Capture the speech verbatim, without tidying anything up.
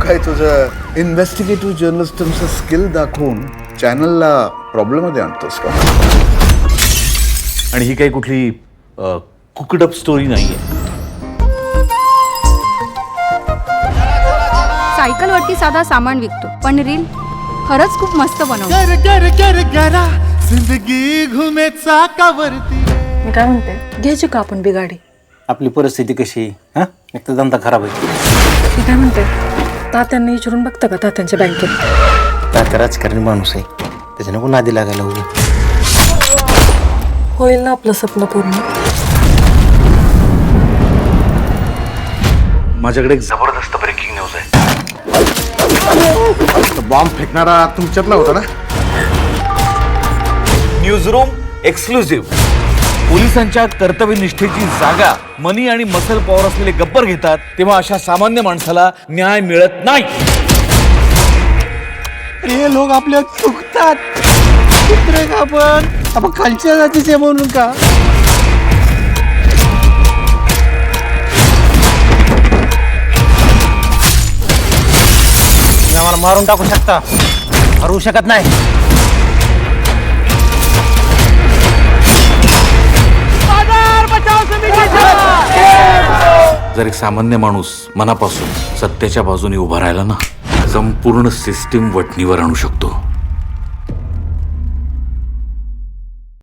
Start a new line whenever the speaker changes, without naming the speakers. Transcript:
काय तुझं investigative जर्नलिस्टचं skill दाखवून चॅनलला प्रॉब्लेममध्ये आणतोस का?
आणि ही काही कुठली कुकडअप स्टोरी नाहीये.
सायकलवरती साधा सामान विकतो पण रील खरंच खूप मस्त बनवतो.
गर गर गर गरा जिंदगी घुमे चाकावरती.
मी काय म्हणते, घ्यायची का आपण बिगाडी?
आपली परिस्थिती कशी हा एक तर धंदा खराब आहे.
मी काय म्हणते, तात्यांना विचारून बघता का तात्यांच्या बँकेत?
तात्या राजकारणी माणूस आहे, त्याच्या नको नादी लागायला उभी.
होईल ना आपलं स्वप्न पूर्ण.
माझ्याकडे एक जबरदस्त ब्रेकिंग न्यूज आहे.
बॉम्ब फेकणारा तुमच्यातला होता ना?
News room exclusive. पोलिसांच्या कर्तव्यनिष्ठेची जागा मनी आणि मसल पॉवर असलेले गब्बर घेतात, तेव्हा अशा सामान्य माणसाला न्याय मिळत नाही.
हे लोक आपल्या चुकतात. कुत्रे का आपण आपण खालच्या जातीचे म्हणून का? तुम्ही आम्हाला मारून टाकू शकता, हरवू शकत नाही.
जर एक सामान्य माणूस मनापासून सत्याच्या बाजूने उभा राहिला ना, संपूर्ण सिस्टीम वठणीवर आणू शकतो.